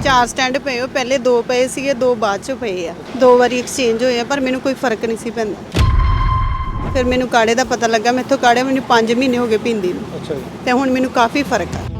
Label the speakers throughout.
Speaker 1: 4 stand ਪਏ ਹੋ, ਪਹਿਲੇ 2 ਪਏ ਸੀਗੇ, 2 ਬਾਅਦ ਚ ਪਏ ਆ। 2 ਵਾਰੀ ਐਕਸਚੇਂਜ ਹੋਏ ਆ, ਪਰ ਮੈਨੂੰ ਕੋਈ ਫਰਕ ਨਹੀਂ ਸੀ ਪੈਂਦਾ। ਫਿਰ ਮੈਨੂੰ ਕਾੜੇ ਦਾ ਪਤਾ ਲੱਗਾ, ਮੈਥੋਂ ਕਾੜੇ ਮੈਨੂੰ 5 ਮਹੀਨੇ ਹੋ ਗਏ ਪੀਂਦੀ ਨੂੰ।
Speaker 2: ਅੱਛਾ ਜੀ।
Speaker 1: ਤੇ ਹੁਣ ਮੈਨੂੰ ਕਾਫੀ ਫਰਕ ਆ।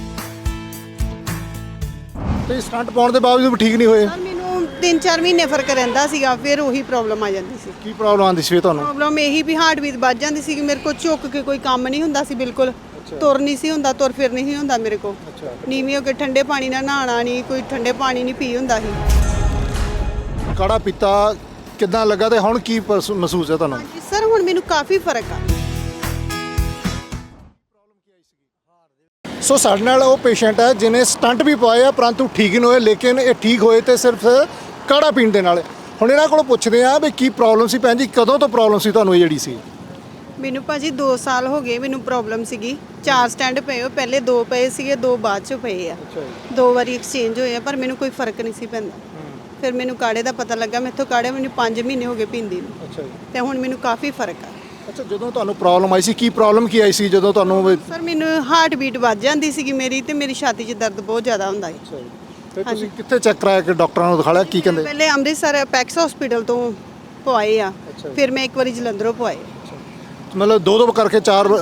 Speaker 2: ਤੇ ਸਟੰਟ ਪਾਉਣ ਦੇ ਬਾਵਜੂਦ ਵੀ ਠੀਕ ਨਹੀਂ ਹੋਏ?
Speaker 1: ਸਰ ਮੈਨੂੰ 3-4 ਮਹੀਨੇ ਫਰਕ ਰਹਿੰਦਾ ਸੀਗਾ, ਫਿਰ ਉਹੀ ਪ੍ਰੋਬਲਮ ਆ ਜਾਂਦੀ ਸੀ।
Speaker 2: ਕੀ ਪ੍ਰੋਬਲਮ ਆਉਂਦੀ ਸੀ ਤੁਹਾਨੂੰ?
Speaker 1: ਪ੍ਰੋਬਲਮ ਇਹੀ ਵੀ ਹਾਰਟ ਬੀਟ ਵੱਜ ਜਾਂਦੀ ਸੀ ਕਿ ਮੇਰੇ ਕੋਲ ਝੁੱਕ ਕੇ ਕੋਈ ਕੰਮ ਨਹੀਂ ਹੁੰਦਾ ਸੀ, ਬਿਲਕੁਲ ਤੁਰ ਨਹੀਂ ਸੀ ਹੁੰਦਾ, ਤੁਰ ਫਿਰ ਨਹੀਂ ਹੁੰਦਾ ਮੇਰੇ ਕੋਲ। ਨੀਵੀਂ ਹੋ ਕੇ ਠੰਡੇ ਪਾਣੀ ਨਾਲ ਨਹਾਉਣਾ ਨਹੀਂ, ਕੋਈ ਠੰਡੇ ਪਾਣੀ ਨਹੀਂ ਪੀ ਹੁੰਦਾ ਸੀ।
Speaker 2: ਕਾੜਾ ਪੀਤਾ ਕਿੱਦਾਂ ਲੱਗਾ ਤੇ ਹੁਣ ਕੀ ਮਹਿਸੂਸ ਹੈ ਤੁਹਾਨੂੰ?
Speaker 1: ਹਾਂਜੀ ਸਰ, ਹੁਣ ਮੈਨੂੰ ਕਾਫੀ ਫਰਕ ਆ।
Speaker 2: ਸੋ ਸਾਡੇ ਨਾਲ ਉਹ ਪੇਸ਼ੈਂਟ ਹੈ ਜਿਹਨੇ ਸਟੰਟ ਵੀ ਪਵਾਏ ਆ ਪਰੰਤੂ ਠੀਕ ਨਹੀਂ ਹੋਏ, ਲੇਕਿਨ ਇਹ ਠੀਕ ਹੋਏ ਤੇ ਸਿਰਫ ਕਾੜਾ ਪੀਣ ਦੇ ਨਾਲ। ਹੁਣ ਇਹਨਾਂ ਕੋਲੋਂ ਪੁੱਛਦੇ ਆ ਵੀ ਕੀ ਪ੍ਰੋਬਲਮ ਸੀ ਭੈਣ ਜੀ, ਕਦੋਂ ਤੋਂ ਪ੍ਰੋਬਲਮ ਸੀ ਤੁਹਾਨੂੰ ਇਹ ਜਿਹੜੀ ਸੀ?
Speaker 1: ਮੈਨੂੰ ਭਾਜੀ 2 ਸਾਲ ਹੋ ਗਏ ਮੈਨੂੰ ਪ੍ਰੋਬਲਮ ਸੀਗੀ। 4 ਸਟੈਂਡ ਪਏ ਹੋ, ਪਹਿਲੇ 2 ਪਏ ਸੀਗੇ, 2 ਬਾਅਦ ਚ ਪਏ ਆ। 2 ਵਾਰੀ ਐਕਸਚੇਂਜ ਹੋਏ ਆ, ਪਰ ਮੈਨੂੰ ਕੋਈ ਫਰਕ ਨਹੀਂ ਸੀ ਪੈਂਦਾ। ਫਿਰ ਮੈਨੂੰ ਕਾੜੇ ਦਾ ਪਤਾ ਲੱਗਾ, ਮੈਥੋਂ ਕਾੜੇ ਮੈਨੂੰ 5 ਮਹੀਨੇ ਹੋ ਗਏ ਪੀਂਦੀ ਨੂੰ।
Speaker 2: ਅੱਛਾ ਜੀ।
Speaker 1: ਤੇ ਹੁਣ ਮੈਨੂੰ ਕਾਫੀ ਫਰਕ ਆ।
Speaker 2: ਅੱਛਾ, ਜਦੋਂ ਤੁਹਾਨੂੰ ਪ੍ਰੋਬਲਮ ਆਈ ਸੀ ਕੀ ਪ੍ਰੋਬਲਮ ਕੀ ਆਈ ਸੀ ਜਦੋਂ ਤੁਹਾਨੂੰ?
Speaker 1: ਸਰ ਮੈਨੂੰ ਹਾਰਟ ਬੀਟ ਵੱਜ ਜਾਂਦੀ ਸੀਗੀ ਮੇਰੀ, ਤੇ ਮੇਰੀ ਛਾਤੀ 'ਚ ਦਰਦ ਬਹੁਤ ਜ਼ਿਆਦਾ ਹੁੰਦਾ ਸੀ।
Speaker 2: ਅੱਛਾ ਜੀ। ਤੇ ਤੁਸੀਂ ਕਿੱਥੇ ਚੈੱਕ ਕਰਾਇਆ ਕਿ ਡਾਕਟਰਾਂ ਨੂੰ ਦਿਖਾਇਆ, ਕੀ ਕਹਿੰਦੇ?
Speaker 1: ਪਹਿਲੇ ਅੰਮ੍ਰਿਤਸਰ ਪੈਕਸ ਹਸਪੀਟਲ ਤੋਂ ਪਵਾਏ ਆ, ਫਿਰ ਮੈਂ ਇੱਕ ਵਾਰੀ ਜਲੰਧਰੋਂ ਪਵਾਏ।
Speaker 2: ਮਤਲਬ 2 ਕਰਕੇ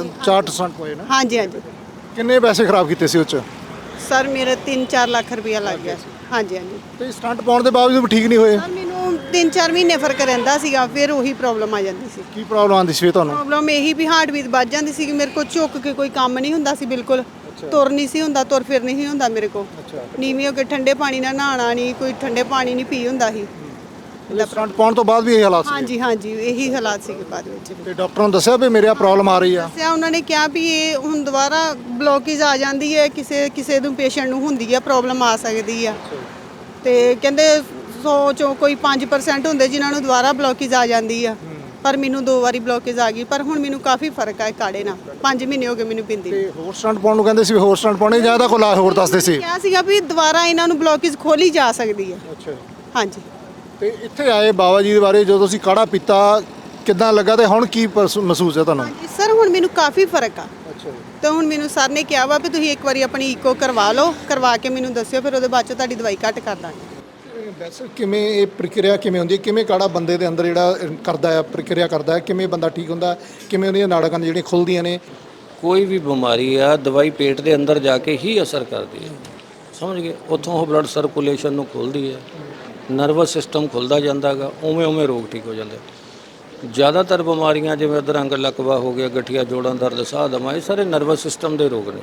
Speaker 2: 4 ਸਟੰਟ ਪਏ ਨਾ?
Speaker 1: ਹਾਂਜੀ ਹਾਂਜੀ।
Speaker 2: ਕਿੰਨੇ ਪੈਸੇ ਖਰਾਬ ਕੀਤੇ ਸੀ ਉਹ 'ਚ?
Speaker 1: ਸਰ ਮੇਰਾ 3-4 ਲੱਖ ਰੁਪਇਆ ਲੱਗ ਗਿਆ ਸੀ। ਹਾਂਜੀ ਹਾਂਜੀ।
Speaker 2: ਤੇ ਸਟੰਟ ਪਾਉਣ ਦੇ ਬਾਵਜੂਦ ਵੀ ਠੀਕ ਨਹੀਂ ਹੋਏ?
Speaker 1: ਸਰ ਮੈਨੂੰ 3-4 ਮਹੀਨੇ ਫਰਕ ਰਹਿੰਦਾ ਸੀਗਾ, ਫਿਰ ਉਹੀ ਪ੍ਰੋਬਲਮ ਆ ਜਾਂਦੀ ਸੀ।
Speaker 2: ਕੀ ਪ੍ਰੋਬਲਮ ਆਉਂਦੀ ਸੀ ਤੁਹਾਨੂੰ?
Speaker 1: ਪ੍ਰੋਬਲਮ ਇਹੀ ਵੀ ਹਾਰਟ ਬੀਟ ਵੱਜ ਜਾਂਦੀ ਸੀ ਕਿ ਮੇਰੇ ਕੋਲ ਝੁੱਕ ਕੇ ਕੋਈ ਕੰਮ ਨਹੀਂ ਹੁੰਦਾ ਸੀ, ਬਿਲਕੁਲ ਤੁਰ ਨਹੀਂ ਸੀ ਹੁੰਦਾ, ਤੁਰ ਫਿਰ ਨਹੀਂ ਹੁੰਦਾ ਮੇਰੇ ਕੋਲ। ਨੀਵੀਂ ਹੋ ਕੇ ਠੰਡੇ ਪਾਣੀ ਨਾਲ ਨਹਾਉਣਾ ਨਹੀਂ, ਕੋਈ ਠੰਡੇ ਪਾਣੀ ਨਹੀਂ ਪੀ ਹੁੰਦਾ ਸੀ।
Speaker 2: ਸਟੰਟ ਪਾਉਣ ਤੋਂ ਬਾਅਦ ਵੀ ਇਹ ਹਾਲਾਤ ਸੀ?
Speaker 1: ਹਾਂਜੀ ਹਾਂਜੀ, ਇਹੀ ਹਾਲਾਤ ਸੀਗੇ ਬਾਅਦ ਵਿੱਚ।
Speaker 2: ਤੇ ਡਾਕਟਰ ਨੂੰ ਦੱਸਿਆ ਵੀ ਮੇਰੇ ਆ ਪ੍ਰੋਬਲਮ ਆ ਰਹੀ ਆ?
Speaker 1: ਦੱਸਿਆ ਉਹਨਾਂ ਨੇ, ਕਿਹਾ ਵੀ ਇਹ ਹੁਣ ਦੁਬਾਰਾ ਬਲੋਕੇਜ ਆ ਜਾਂਦੀ ਹੈ, ਕਿਸੇ ਨੂੰ ਪੇਸ਼ੈਂਟ ਨੂੰ ਹੁੰਦੀ ਹੈ, ਪ੍ਰੋਬਲਮ ਆ ਸਕਦੀ ਆ। ਤੇ ਕਹਿੰਦੇ 100 ਚੋਂ ਕੋਈ 5% ਹੁੰਦੇ ਜਿਨ੍ਹਾਂ ਨੂੰ ਦੁਬਾਰਾ ਬਲੋਕੇਜ ਆ ਜਾਂਦੀ ਆ, ਪਰ ਮੈਨੂੰ 2 ਵਾਰੀ ਬਲੋਕੇਜ ਆ ਗਈ। ਪਰ ਹੁਣ ਮੈਨੂੰ ਕਾਫੀ ਫਰਕ ਆ ਕਾੜੇ ਨਾਲ। 5 ਮਹੀਨੇ ਹੋ ਗਏ ਮੈਨੂੰ ਪੀਂਦੀ।
Speaker 2: ਤੇ ਹੋਰ ਸਟੰਟ ਪਾਉਣ ਨੂੰ ਕਹਿੰਦੇ ਸੀ, ਹੋਰ ਸਟੰਟ ਪਾਉਣੇ ਜ਼ਿਆਦਾ ਕੋਲ ਹੋਰ ਦੱਸਦੇ ਸੀ?
Speaker 1: ਕਿਹਾ ਸੀਗਾ ਵੀ ਦੁਬਾਰਾ ਇਹਨਾਂ ਨੂੰ ਬਲੋਕੇਜ ਖੋਲੀ ਜਾ ਸਕਦੀ ਹੈ।
Speaker 2: ਅੱਛਾ।
Speaker 1: ਹਾਂਜੀ।
Speaker 2: ਤੇ ਇੱਥੇ ਆਏ ਬਾਬਾ ਜੀ ਦੇ ਬਾਰੇ ਜਦੋਂ ਤੁਸੀਂ ਕਾੜਾ ਪੀਤਾ ਕਿੱਦਾਂ ਲੱਗਾ ਤੇ ਹੁਣ ਕੀ ਮਹਿਸੂਸ ਹੈ ਤੁਹਾਨੂੰ?
Speaker 1: ਹਾਂਜੀ ਸਰ, ਹੁਣ ਮੈਨੂੰ ਕਾਫੀ ਫਰਕ ਆ।
Speaker 2: ਅੱਛਾ।
Speaker 1: ਤੇ ਹੁਣ ਮੈਨੂੰ ਸਰ ਨੇ ਕਿਹਾ ਵਾ ਵੀ ਤੁਸੀਂ ਇੱਕ ਵਾਰੀ ਆਪਣੀ ਈਕੋ ਕਰਵਾ ਲਓ, ਕਰਵਾ ਕੇ ਮੈਨੂੰ ਦੱਸਿਓ, ਫਿਰ ਉਹਦੇ ਬਾਅਦ ਚ ਤੁਹਾਡੀ ਦਵਾਈ ਘੱਟ ਕਰ ਦਾਂਗੇ।
Speaker 2: ਵੈਸੇ ਕਿਵੇਂ ਇਹ ਪ੍ਰਕਿਰਿਆ ਕਿਵੇਂ ਹੁੰਦੀ ਹੈ, ਕਿਵੇਂ ਕਾੜਾ ਬੰਦੇ ਦੇ ਅੰਦਰ ਜਿਹੜਾ ਕਰਦਾ ਹੈ, ਪ੍ਰਕਿਰਿਆ ਕਰਦਾ ਹੈ, ਕਿਵੇਂ ਬੰਦਾ ਠੀਕ ਹੁੰਦਾ, ਕਿਵੇਂ ਉਹਦੀਆਂ ਨਾੜਾਂ ਜਿਹੜੀਆਂ ਖੁੱਲਦੀਆਂ ਨੇ?
Speaker 3: ਕੋਈ ਵੀ ਬਿਮਾਰੀ ਆ ਦਵਾਈ ਪੇਟ ਦੇ ਅੰਦਰ ਜਾ ਕੇ ਹੀ ਅਸਰ ਕਰਦੀ ਹੈ, ਸਮਝ ਗਏ? ਉੱਥੋਂ ਉਹ ਬਲੱਡ ਸਰਕੂਲੇਸ਼ਨ ਨੂੰ ਖੋਲ੍ਹਦੀ ਹੈ, ਨਰਵਸ ਸਿਸਟਮ ਖੁੱਲ੍ਹਦਾ ਜਾਂਦਾ ਗਾ, ਉਵੇਂ ਉਵੇਂ ਰੋਗ ਠੀਕ ਹੋ ਜਾਂਦੇ। ਜ਼ਿਆਦਾਤਰ ਬਿਮਾਰੀਆਂ ਜਿਵੇਂ ਅਧਰੰਗ ਲਕਵਾ ਹੋ ਗਿਆ, ਗਠੀਆ ਜੋੜਾਂ ਦਰਦ, ਸਾਹ ਦਮਾ, ਇਹ ਸਾਰੇ ਨਰਵਸ ਸਿਸਟਮ ਦੇ ਰੋਗ ਨੇ।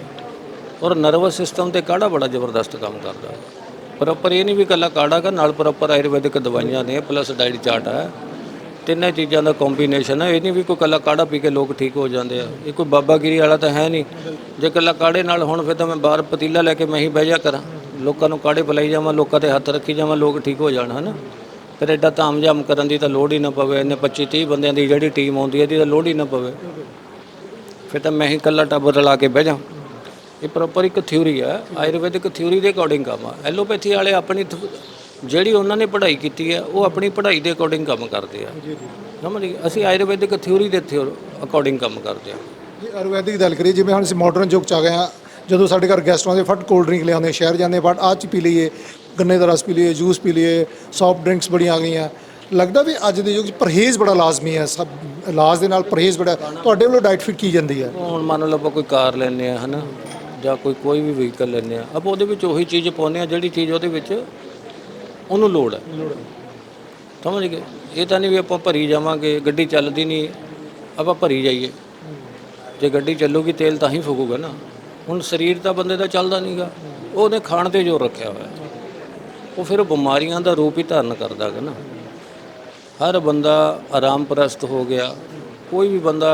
Speaker 3: ਔਰ ਨਰਵਸ ਸਿਸਟਮ ਤੇ ਕਾੜਾ ਬੜਾ ਜ਼ਬਰਦਸਤ ਕੰਮ ਕਰਦਾ। ਪ੍ਰੋਪਰ ਇਹ ਨਹੀਂ ਵੀ ਇਕੱਲਾ ਕਾੜਾ ਗਾ, ਨਾਲ ਪ੍ਰੋਪਰ ਆਯੁਰਵੈਦਿਕ ਦਵਾਈਆਂ ਨੇ, ਪਲੱਸ ਡਾਈਟ ਚਾਰਟ ਹੈ, ਤਿੰਨੇ ਚੀਜ਼ਾਂ ਦਾ ਕੰਬੀਨੇਸ਼ਨ ਹੈ। ਇਹ ਨਹੀਂ ਵੀ ਕੋਈ ਇਕੱਲਾ ਕਾੜਾ ਪੀ ਕੇ ਲੋਕ ਠੀਕ ਹੋ ਜਾਂਦੇ ਆ। ਇਹ ਕੋਈ ਬਾਬਾਗਿਰੀ ਵਾਲਾ ਤਾਂ ਹੈ ਨਹੀਂ। ਜੇ ਇਕੱਲਾ ਕਾੜੇ ਨਾਲ ਹੁਣ ਫਿਰ ਤਾਂ ਮੈਂ ਬਾਹਰ ਪਤੀਲਾ ਲੈ ਕੇ ਮੈਂ ਹੀ ਬਹਿ ਜਾ ਕਰਾਂ, ਲੋਕਾਂ ਨੂੰ ਕਾੜੇ ਪਿਲਾਈ ਜਾਵਾਂ, ਲੋਕਾਂ 'ਤੇ ਹੱਥ ਰੱਖੀ ਜਾਵਾਂ, ਲੋਕ ਠੀਕ ਹੋ ਜਾਣ, ਹੈ ਨਾ? ਫਿਰ ਐਡਾ ਤਾਮਝਾਮ ਕਰਨ ਦੀ ਤਾਂ ਲੋੜ ਹੀ ਨਾ ਪਵੇ। ਇਹਨੇ 25-30 ਬੰਦਿਆਂ ਦੀ ਜਿਹੜੀ ਟੀਮ ਆਉਂਦੀ ਹੈ ਇਹਦੀ ਤਾਂ ਲੋੜ ਹੀ ਨਾ ਪਵੇ। ਫਿਰ ਤਾਂ ਮੈਂ ਹੀ ਇਕੱਲਾ ਟੱਬਰ ਰਲਾ ਕੇ ਬਹਿ ਜਾ। ਇਹ ਪ੍ਰੋਪਰ ਇੱਕ ਥਿਊਰੀ ਹੈ, ਆਯੁਰਵੈਦਿਕ ਥਿਊਰੀ ਦੇ ਅਕੋਰਡਿੰਗ ਕੰਮ ਆ। ਐਲੋਪੈਥੀ ਵਾਲੇ ਆਪਣੀ ਜਿਹੜੀ ਉਹਨਾਂ ਨੇ ਪੜ੍ਹਾਈ ਕੀਤੀ ਹੈ ਉਹ ਆਪਣੀ ਪੜ੍ਹਾਈ ਦੇ ਅਕੋਰਡਿੰਗ ਕੰਮ ਕਰਦੇ ਆ, ਸਮਝ ਗਏ? ਅਸੀਂ ਆਯੁਰਵੈਦਿਕ ਥਿਊਰੀ ਦੇ ਅਕੋਰਡਿੰਗ ਕੰਮ ਕਰਦੇ ਹਾਂ।
Speaker 2: ਜੇ ਆਯੁਰਵੈਦਿਕ ਗੱਲ ਕਰੀਏ, ਜਿਵੇਂ ਹੁਣ ਅਸੀਂ ਮਾਡਰਨ ਯੁੱਗ 'ਚ ਆ ਗਏ ਹਾਂ, ਜਦੋਂ ਸਾਡੇ ਘਰ ਗੈਸਟ ਆਉਂਦੇ ਫਟ ਕੋਲਡ ਡਰਿੰਕ ਲਿਆਉਂਦੇ, ਸ਼ਹਿਰ ਜਾਂਦੇ ਫਟ ਆਹ 'ਚ ਪੀ ਲਈਏ, ਗੰਨੇ ਦਾ ਰਸ ਪੀ ਲਈਏ, ਜੂਸ ਪੀ ਲਈਏ, ਸੌਫਟ ਡਰਿੰਕਸ ਬੜੀਆਂ ਆ ਗਈਆਂ। ਲੱਗਦਾ ਵੀ ਅੱਜ ਦੇ ਯੁੱਗ 'ਚ ਪਰਹੇਜ਼ ਬੜਾ ਲਾਜ਼ਮੀ ਹੈ, ਸਭ ਇਲਾਜ ਦੇ ਨਾਲ ਪਰਹੇਜ਼ ਬੜਾ। ਤੁਹਾਡੇ ਵੱਲੋਂ ਡਾਈਟ ਫਿਟ ਕੀ ਜਾਂਦੀ ਹੈ?
Speaker 3: ਹੁਣ ਮੰਨ ਲਓ ਆਪਾਂ ਕੋਈ ਕਾਰ ਲੈਂਦੇ ਆ, ਹੈ ਨਾ, ਜਾਂ ਕੋਈ ਵੀ ਵਹੀਕਲ ਲੈਂਦੇ ਆ, ਆਪਾਂ ਉਹਦੇ ਵਿੱਚ ਉਹੀ ਚੀਜ਼ ਪਾਉਂਦੇ ਆ ਜਿਹੜੀ ਚੀਜ਼ ਉਹਦੇ ਵਿੱਚ ਉਹਨੂੰ ਲੋੜ ਹੈ, ਸਮਝ ਗਏ? ਇਹ ਤਾਂ ਨਹੀਂ ਵੀ ਆਪਾਂ ਭਰੀ ਜਾਵਾਂਗੇ, ਗੱਡੀ ਚੱਲਦੀ ਨਹੀਂ ਆਪਾਂ ਭਰੀ ਜਾਈਏ। ਜੇ ਗੱਡੀ ਚੱਲੂਗੀ ਤੇਲ ਤਾਂ ਹੀ ਫੂਕੂਗਾ ਨਾ। ਹੁਣ ਸਰੀਰ ਤਾਂ ਬੰਦੇ ਦਾ ਚੱਲਦਾ ਨਹੀਂਗਾ, ਉਹਨੇ ਖਾਣ 'ਤੇ ਜ਼ੋਰ ਰੱਖਿਆ ਹੋਇਆ, ਉਹ ਫਿਰ ਬਿਮਾਰੀਆਂ ਦਾ ਰੂਪ ਹੀ ਧਾਰਨ ਕਰਦਾ ਗਾ ਨਾ। ਹਰ ਬੰਦਾ ਆਰਾਮ ਪ੍ਰਸਤ ਹੋ ਗਿਆ। ਕੋਈ ਵੀ ਬੰਦਾ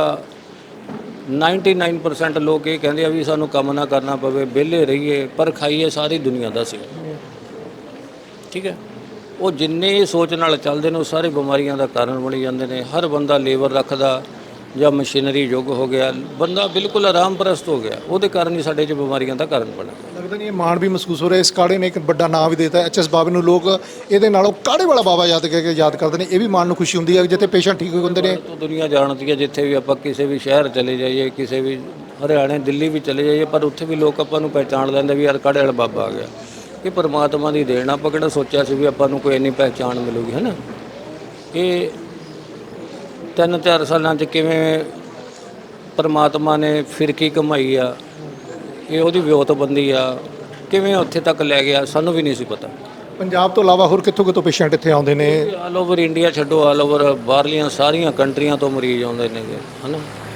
Speaker 3: 99% ਲੋਕ ਇਹ ਕਹਿੰਦੇ ਆ ਵੀ ਸਾਨੂੰ ਕੰਮ ਨਾ ਕਰਨਾ ਪਵੇ, ਵਿਹਲੇ ਰਹੀਏ, ਪਰ ਖਾਈਏ ਸਾਰੀ ਦੁਨੀਆ ਦਾ ਸੀ, ਠੀਕ ਹੈ? ਉਹ ਜਿੰਨੇ ਸੋਚ ਨਾਲ ਚੱਲਦੇ ਨੇ ਉਹ ਸਾਰੇ ਬਿਮਾਰੀਆਂ ਦਾ ਕਾਰਨ ਬਣੀ ਜਾਂਦੇ ਨੇ। ਹਰ ਬੰਦਾ ਲੇਬਰ ਰੱਖਦਾ ਜਾਂ ਮਸ਼ੀਨਰੀ ਯੁੱਗ ਹੋ ਗਿਆ, ਬੰਦਾ ਬਿਲਕੁਲ ਆਰਾਮ ਪ੍ਰਸਤ ਹੋ ਗਿਆ, ਉਹਦੇ ਕਾਰਨ ਹੀ ਸਾਡੇ 'ਚ ਬਿਮਾਰੀਆਂ ਦਾ ਕਾਰਨ ਬਣਾ।
Speaker 2: ਲੱਗਦਾ ਨਹੀਂ ਇਹ ਮਾਣ ਵੀ ਮਹਿਸੂਸ ਹੋ ਰਿਹਾ, ਇਸ ਕਾੜੇ ਨੇ ਇੱਕ ਵੱਡਾ ਨਾਮ ਵੀ ਦੇਤਾ HS ਬਾਬੇ ਨੂੰ। ਲੋਕ ਇਹਦੇ ਨਾਲੋਂ ਕਾੜੇ ਵਾਲਾ ਬਾਬਾ ਯਾਦ ਕਰਦੇ ਨੇ। ਇਹ ਵੀ ਮਨ ਨੂੰ ਖੁਸ਼ੀ ਹੁੰਦੀ ਹੈ ਜਿੱਥੇ ਪੇਸ਼ੈਂਟ ਠੀਕ ਹੁੰਦੇ ਨੇ।
Speaker 3: ਦੁਨੀਆ ਜਾਣਦੀ ਹੈ, ਜਿੱਥੇ ਵੀ ਆਪਾਂ ਕਿਸੇ ਵੀ ਸ਼ਹਿਰ ਚਲੇ ਜਾਈਏ, ਕਿਸੇ ਵੀ ਹਰਿਆਣੇ ਦਿੱਲੀ ਵੀ ਚਲੇ ਜਾਈਏ, ਪਰ ਉੱਥੇ ਵੀ ਲੋਕ ਆਪਾਂ ਨੂੰ ਪਹਿਚਾਣ ਲੈਂਦੇ ਵੀ ਯਾਰ ਕਾੜੇ ਵਾਲਾ ਬਾਬਾ ਆ ਗਿਆ। ਇਹ ਪਰਮਾਤਮਾ ਦੀ ਦੇਣ ਆ। ਆਪਾਂ ਕਿਹੜਾ ਸੋਚਿਆ ਸੀ ਵੀ ਆਪਾਂ ਨੂੰ ਕੋਈ ਇੰਨੀ ਪਹਿਚਾਣ ਮਿਲੂਗੀ, ਹੈ ਨਾ। ਇਹ 3-4 ਸਾਲਾਂ 'ਚ ਕਿਵੇਂ ਪਰਮਾਤਮਾ ਨੇ ਫਿਰਕੀ ਕਮਾਈ ਆ, ਇਹ ਉਹਦੀ ਵਿਉਂਤਬੰਦੀ ਆ, ਕਿਵੇਂ ਉੱਥੇ ਤੱਕ ਲੈ ਗਿਆ ਸਾਨੂੰ ਵੀ ਨਹੀਂ ਸੀ ਪਤਾ।
Speaker 2: ਪੰਜਾਬ ਤੋਂ ਇਲਾਵਾ ਹੋਰ ਕਿੱਥੋਂ ਕਿੱਥੋਂ ਪੇਸ਼ੈਂਟ ਇੱਥੇ ਆਉਂਦੇ ਨੇ?
Speaker 3: ਆਲ ਓਵਰ ਇੰਡੀਆ ਛੱਡੋ, ਆਲ ਓਵਰ ਬਾਹਰਲੀਆਂ ਸਾਰੀਆਂ ਕੰਟਰੀਆਂ ਤੋਂ ਮਰੀਜ਼ ਆਉਂਦੇ ਨੇਗੇ, ਹੈ ਨਾ।